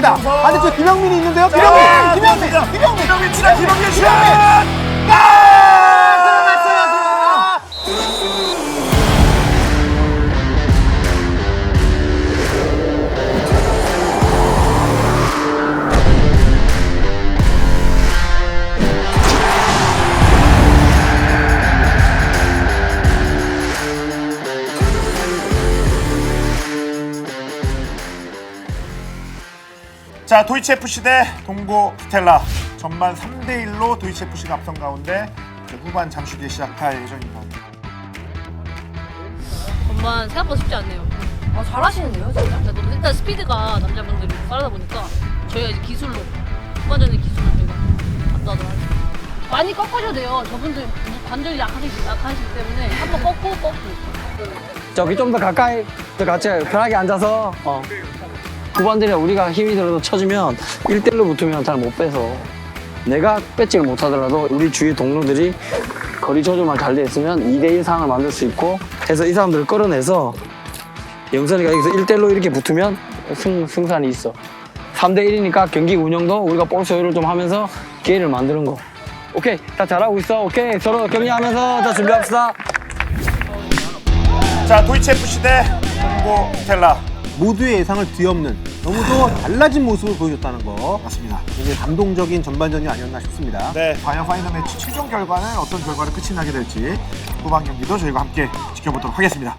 있습니다. 반대쪽 김영민이 있는데요. 김영민 치라 김영민 슛! 자, 도이치FC 대 동고 스텔라. 전반 3대1로 도이치FC가 앞선 가운데 이제 후반 잠시 뒤에 시작할 예정입니다. 전반 생각보다 쉽지 않네요. 잘하시는데요, 진짜? 일단 스피드가 남자분들이 빠르다 보니까 저희가 이제 기술로 후반전의 기술로 저희가 압도하도록 하겠습니다. 많이 꺾어줘야 돼요. 저분들 관절이 약하시기 때문에 한번 꺾고 저기 좀 더 가까이 더 같이 편하게 앉아서 후반전에 우리가 힘이 들어도 쳐주면 1대1로 붙으면 잘 못 빼서 내가 뺏지를 못하더라도 우리 주위 동료들이 거리 조절만 잘 돼 있으면 2대1 상황을 만들 수 있고 해서 이 사람들을 끌어내서 영선이가 여기서 1대1로 이렇게 붙으면 승산이 있어. 3대1이니까 경기 운영도 우리가 볼 소유를 좀 하면서 기회를 만드는 거. 오케이, 다 잘하고 있어. 오케이, 서로 격려하면서 자 준비합시다. 자, 도이치FC 대 동고 스텔라. 모두의 예상을 뒤엎는 너무도 달라진 모습을 보여줬다는 거. 맞습니다. 굉장히 감동적인 전반전이 아니었나 싶습니다. 네, 과연 파이널 매치 최종 결과는 어떤 결과로 끝이 나게 될지 후반 경기도 저희가 함께 지켜보도록 하겠습니다.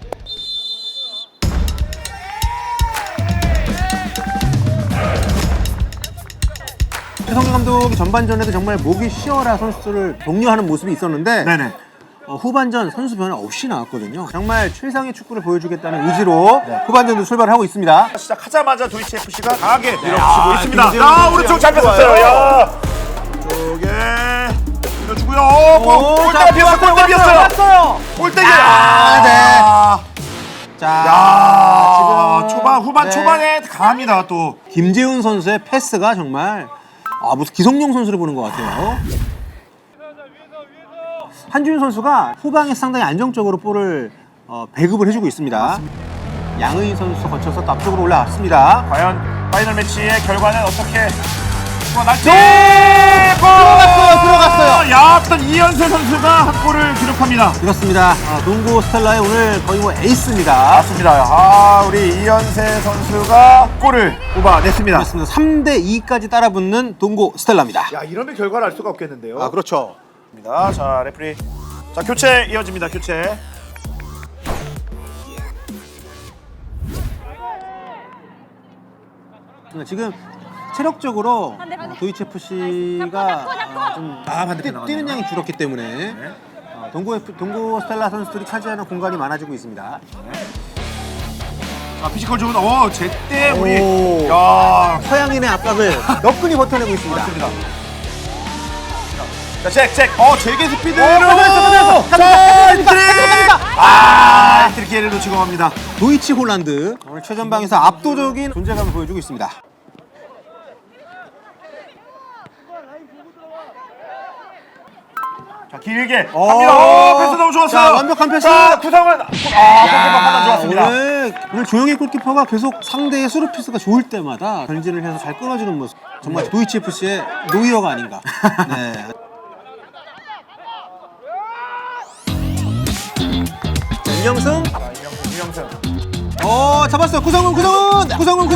최성규 감독이 전반전에도 정말 목이 쉬어라 선수들을 독려하는 모습이 있었는데 네네. 후반전 선수 변화 없이 나왔거든요. 정말 최상의 축구를 보여주겠다는 의지로 후반전도 출발을 하고 있습니다. 시작하자마자 도이치FC가 강하게 밀어붙이고 있습니다. 야, 오른쪽 잘 뺐었어요. 야, 쪽에 밀어주고요. 골대가 비었어요. 골대 비었어요. 골대기. 자, 야, 지금 초반 후반 네. 초반에 강합니다. 또 김재훈 선수의 패스가 정말 무슨 기성용 선수를 보는 것 같아요. 한준 선수가 후방에 상당히 안정적으로 볼을 배급을 해주고 있습니다. 양의인 선수 거쳐서 또 앞쪽으로 올라왔습니다. 과연 파이널 매치의 결과는 어떻게 날지? 들어갔어요. 야, 일단 이현세 선수가 한 골을 기록합니다. 그렇습니다. 동고 스텔라의 오늘 거의 뭐 에이스입니다. 맞습니다. 우리 이현세 선수가 골을 뽑아냈습니다. 그렇습니다. 3대2까지 따라붙는 동고 스텔라입니다. 야, 이러면 결과를 알 수가 없겠는데요. 그렇죠. 자, 레프리. 자, 교체 이어집니다. 교체. 지금 체력적으로 도이치FC가 좀 반대편 나왔네요. 뛰는 양이 줄었기 때문에 동고 스텔라 선수들이 차지하는 공간이 많아지고 있습니다. 자, 피지컬 좋은 제때 우리 오. 야, 서양인의 압박을 너끈히 버텨내고 있습니다. 맞습니다. 자, 잭. 제게 스피드로. 자, 엔트리 기회를 놓치고 갑니다. 도이치 홀란드 오늘 최전방에서 압도적인 존재감을 보여주고 있습니다. 자, 길게 갑니다. 패스 너무 좋았어요. 자, 완벽한 패스. 자, 구성은 골키퍼 판단 좋았습니다. 오늘 조영희 골키퍼가 계속 상대의 수루피스가 좋을 때마다 전진을 해서 잘 끊어주는 모습. 정말 도이치FC의 노이어가 아닌가. 네. 윤영승. 잡았어요. 구성훈. 오!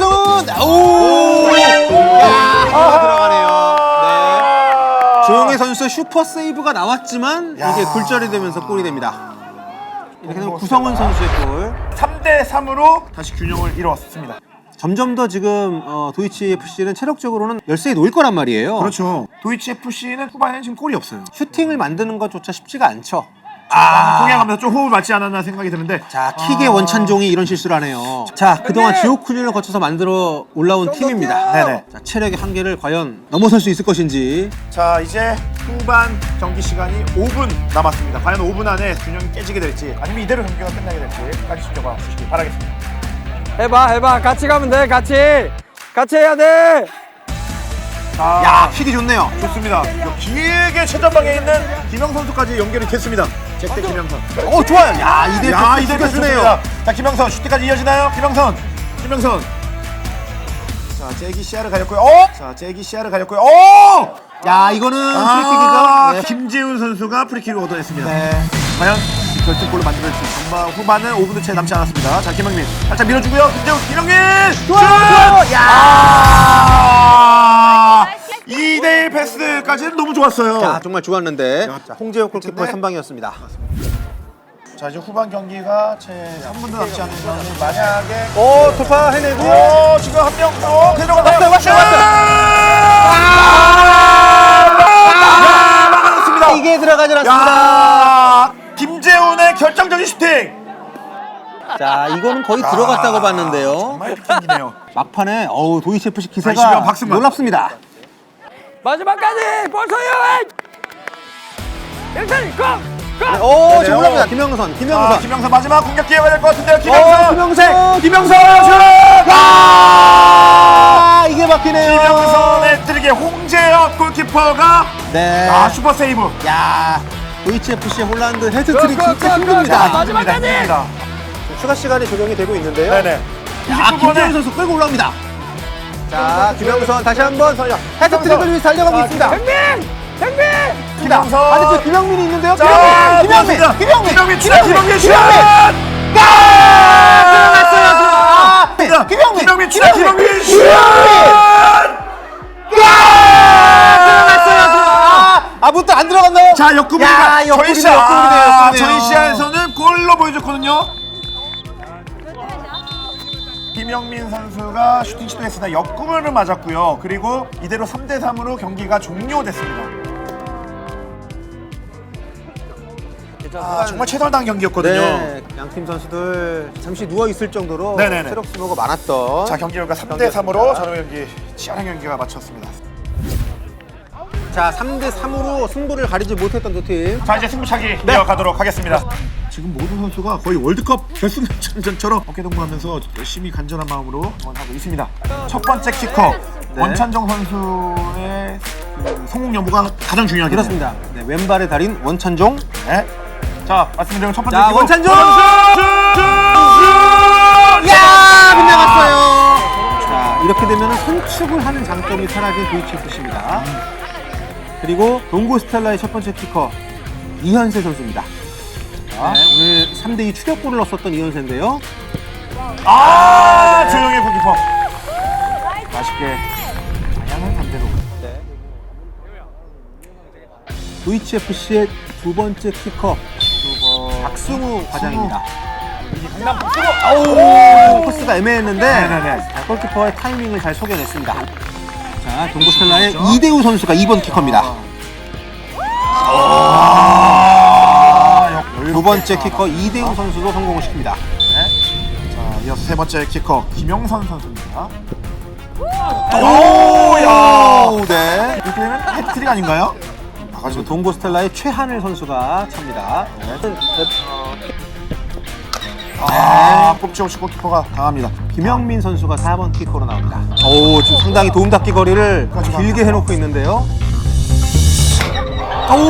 들어가네요. 네. 조영희 선수의 슈퍼 세이브가 나왔지만 이게 굴절이 되면서 골이 됩니다. 이렇게 되면 구성훈 선수의 골. 3대3으로 다시 균형을 이뤄왔습니다. 점점 더 지금 도이치FC는 체력적으로는 열세에 놓일 거란 말이에요. 그렇죠. 도이치FC는 후반에는 지금 골이 없어요. 슈팅을 만드는 것조차 쉽지가 않죠. 동행하면서 좀 호흡을 맞지 않았나 생각이 드는데. 자, 킥의 원찬종이 이런 실수를 하네요. 자, 그동안 지옥 훈련을 거쳐서 만들어 올라온 팀입니다. 네네. 자, 체력의 한계를 과연 넘어설 수 있을 것인지. 자, 이제 후반 경기 시간이 5분 남았습니다. 과연 5분 안에 균형이 깨지게 될지 아니면 이대로 경기가 끝나게 될지까지 지켜봐 주시기 바라겠습니다. 해봐. 같이 가면 돼. 같이 해야 돼. 자, 야, 킥이 좋네요. 좋습니다. 길게 최전방에 있는 김영 선수까지 연결이 됐습니다. 잭대 김영선. 좋아요. 야, 이대 좋네요. 자, 김영선 슈팅까지 이어지나요? 김영선. 자, 제기 시야를 가렸고요. 자, 제기 시야를 가렸고요. 야, 이거는 프리킥이죠. 네. 김재훈 선수가 프리킥을 얻어냈습니다. 네. 과연 결승골을 만들어낼 수 있는 전반 후반은 5분도 채 남지 않았습니다. 자, 김영민 살짝 밀어주고요. 김영민 슛! 야! 2대1 패스까지는 너무 좋았어요. 자, 정말 좋았는데. 자, 홍재욱 골키퍼의 네. 선방이었습니다. 자, 이제 후반 경기가 채 3분도 남지 않은 상황. 만약에 돌파 해내고. 지금 한 명 데려가나요? 왔어요. 막아냈습니다. 이게 들어가지 않았습니다. 야! 김재훈의 결정적인 슈팅. 자, 이거는 거의 들어갔다고 봤는데요. 정말 피킹이네요. 막판에 도이치 FC 기세가 이시경 박승만. 놀랍습니다. 마지막까지 볼 소유! 일단 고! 오, 지금 올라옵니다. 김영선. 김영선 마지막 공격 기회가 될 것 같은데요. 김영선. 김영선. 김영선 슛! 아, 이게 막히네요. 김영선의 뜨리게 홍재혁 골키퍼가 네. 슈퍼 세이브. 야, 도이치 FC의 홀란드 헤드트릭 진짜 힘듭니다. 마지막까지! 추가 시간이 조정이 되고 있는데요. 네네. 자, 김재훈 선수 끌고 올라옵니다. 자, 김영선 다시 한번 헤드트릭을 위해서 달려가고 있습니다. 김영선. 아니, 김영민이 있는데요. 자, 김영민 슛! 김영민 슛! 김영민 슛! 아무것도 안 들어갔나요? 자, 역구부리가 저희 역구부리네요. 저희 시야에서는 골로 보여줬거든요. 김영민 선수가 슈팅 시도했으나 역구부를 맞았고요. 그리고 이대로 3대 3으로 경기가 종료됐습니다. 정말 최선당 경기였거든요. 네, 양팀 선수들 잠시 누워 있을 정도로 네네네. 체력 소모가 많았던. 자, 경기 결과 3대 3으로 전후 경기 치열한 경기가 마쳤습니다. 자, 3대 3으로 승부를 가리지 못했던 두 팀. 자, 이제 승부차기 이어가도록 하겠습니다. 지금 모든 선수가 거의 월드컵 결승전처럼 어깨동무하면서 열심히 간절한 마음으로 응원하고 있습니다. 첫 번째 키커 네. 원찬정 선수의 그 성공 여부가 가장 중요하겠네요. 그렇습니다. 네, 왼발의 달인 원찬종. 네. 자, 말씀드린 첫 번째 자, 키커 원찬종! 슛! 야, 빗나갔어요. 자, 이렇게 되면 선축을 하는 장점이 사라진 도이치 FC입니다. 그리고 동고 스텔라의 첫 번째 키커 이현세 선수입니다. 자, 네, 오늘 3대2 추격골을 넣었었던 이현세인데요. 조영의 골키퍼 맛있게 방향을 반대로. 도이치 FC의 두 번째 키커 박승우 과장입니다. 강남 박수고. 아우, 코스가 애매했는데 네네네. 골키퍼의 타이밍을 잘 속여냈습니다. 자, 동고 스텔라의 이대우 선수가 2번 키커입니다. 두 번째 키커 이대우 선수도 성공을 시킵니다. 자, 이어서 세 번째 키커 김영선 선수입니다. 오, 네. 이렇게 되면 해트릭 아닌가요? 그리고 동고 스텔라의 최하늘 선수가 찹니다. 꼽지 없이 골키퍼가 강합니다. 김영민 선수가 4번 키커로 나옵니다. 오, 지금 상당히 도움닫기 거리를 길게 해놓고 있는데요. 오,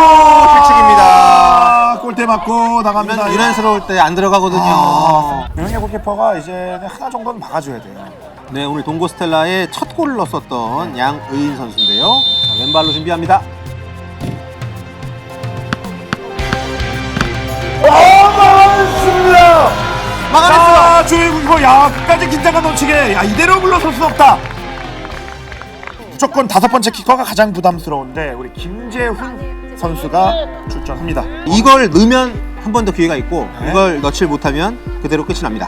실책입니다. 골대 맞고 나갑니다. 유난스러울 때 안 들어가거든요. 명예 골키퍼가 이제 하나 정도는 막아줘야 돼요. 네, 오늘 동고 스텔라의 첫 골을 넣었었던 양의인 선수인데요. 자, 왼발로 준비합니다. 막았습니다. 막아냈어요. 자, 조의 골키퍼, 야, 끝까지 긴장감 넘치게, 야, 이대로 물러설 수 없다. 무조건 다섯 번째 키커가 가장 부담스러운데 우리 김재훈 선수가 출전합니다. 이걸 넣으면 한 번 더 기회가 있고 네. 이걸 넣지 못하면 그대로 끝이 납니다.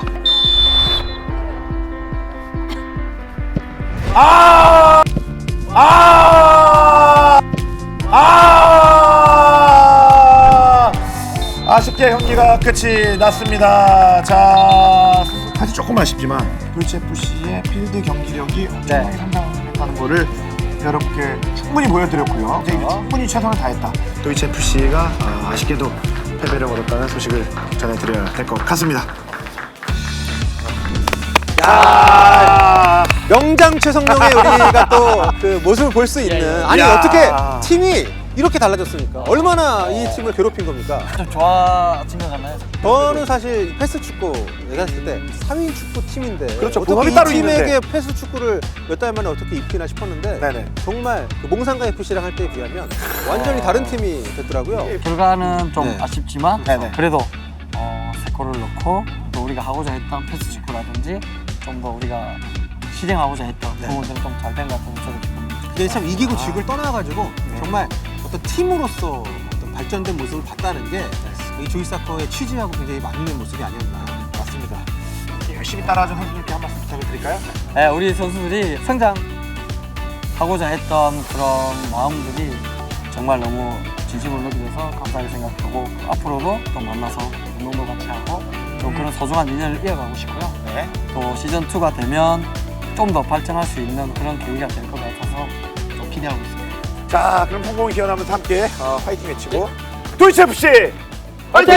아쉽게 경기가 끝이 났습니다. 자, 사실 조금 아쉽지만 도이치 FC의 필드 경기력이 엄청나게 상당하다는 거를 여러분께 충분히 보여드렸고요. 이제 충분히 최선을 다했다. 도이치 FC가 아쉽게도 패배를 거뒀다는 소식을 전해드려야 될 것 같습니다. 명장 최성룡의 우리가 또 그 모습을 볼 수 있는, 아니 야. 어떻게 팀이 이렇게 달라졌으니까 얼마나 이 팀을 괴롭힌 겁니까? 좀 좋아진 것 같나요? 저는 사실 패스 축구 얘기했을 때 4인 축구 팀인데 그렇죠. 어떻게 부합이 이 따로 팀에게 있는데. 패스 축구를 몇 달 만에 어떻게 입히나 싶었는데 네네. 정말 그 몽상가 FC랑 할 때에 비하면 완전히 다른 팀이 됐더라고요. 결과는 좀 네. 아쉽지만 네네. 그래도 세 골을 넣고 또 우리가 하고자 했던 패스 축구라든지 좀 더 우리가 실행하고자 했던 네. 부분들은 좀 잘 된 것 같아서 저도 기쁩니다. 근데 참 이기고 지고를 떠나가지고 정말 어떤 팀으로서 어떤 발전된 모습을 봤다는 게 이 조이사커의 취지하고 굉장히 맞는 모습이 아니었나. 맞습니다. 열심히 따라준 선수님께 한 말씀 부탁드릴까요? 네, 우리 선수들이 성장하고자 했던 그런 마음들이 정말 너무 진심으로 느껴져서 감사하게 생각하고 앞으로도 또 만나서 운동도 같이 하고 좀 그런 소중한 인연을 이어가고 싶고요. 네. 또 시즌2가 되면 좀 더 발전할 수 있는 그런 계기가 될 것 같아서 좀 기대하고 있습니다. 자, 그럼 성공이 기원하면서 함께 화이팅 외치고 도이치 FC 화이팅!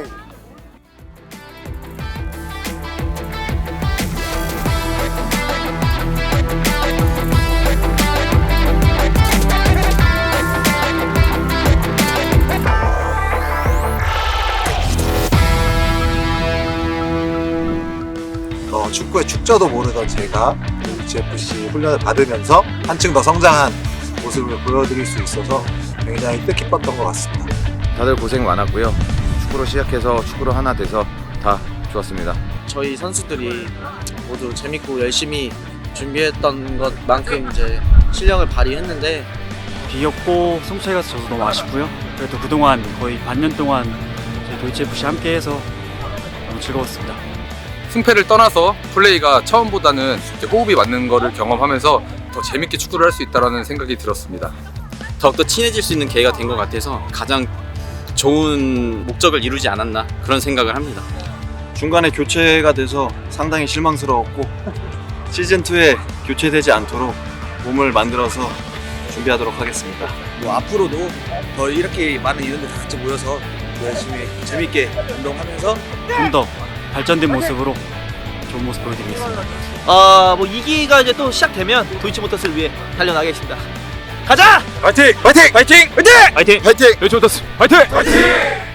축구의 축저도 모르던 제가 GFC 훈련을 받으면서 한층 더 성장한 모습을 보여드릴 수 있어서 굉장히 뜻깊었던 것 같습니다. 다들 고생 많았고요. 축구로 시작해서 축구로 하나 돼서 다 좋았습니다. 저희 선수들이 모두 재밌고 열심히 준비했던 것만큼 이제 실력을 발휘했는데 비겼고 승차이가 져서 너무 아쉽고요. 그래도 그동안 거의 반년 동안 저희 도이치 FC 함께해서 너무 즐거웠습니다. 승패를 떠나서 플레이가 처음보다는 이제 호흡이 맞는 거를 경험하면서 더 재밌게 축구를 할 수 있다는 생각이 들었습니다. 더욱더 친해질 수 있는 기회가 된 것 같아서 가장 좋은 목적을 이루지 않았나 그런 생각을 합니다. 중간에 교체가 돼서 상당히 실망스러웠고 시즌2에 교체되지 않도록 몸을 만들어서 준비하도록 하겠습니다. 앞으로도 더 이렇게 많은 이들들 같이 모여서 열심히 재밌게 운동하면서 좀 더 발전된 모습으로 좋은 모습 보여드리겠습니다. 뭐 2기가 이제 또 시작되면 도이치모터스를 위해 달려나가겠습니다. 가자! 화이팅! 화이팅! 화이팅! 화이팅! 화이팅! 화이팅! 도이치모터스 화이팅! 화이팅!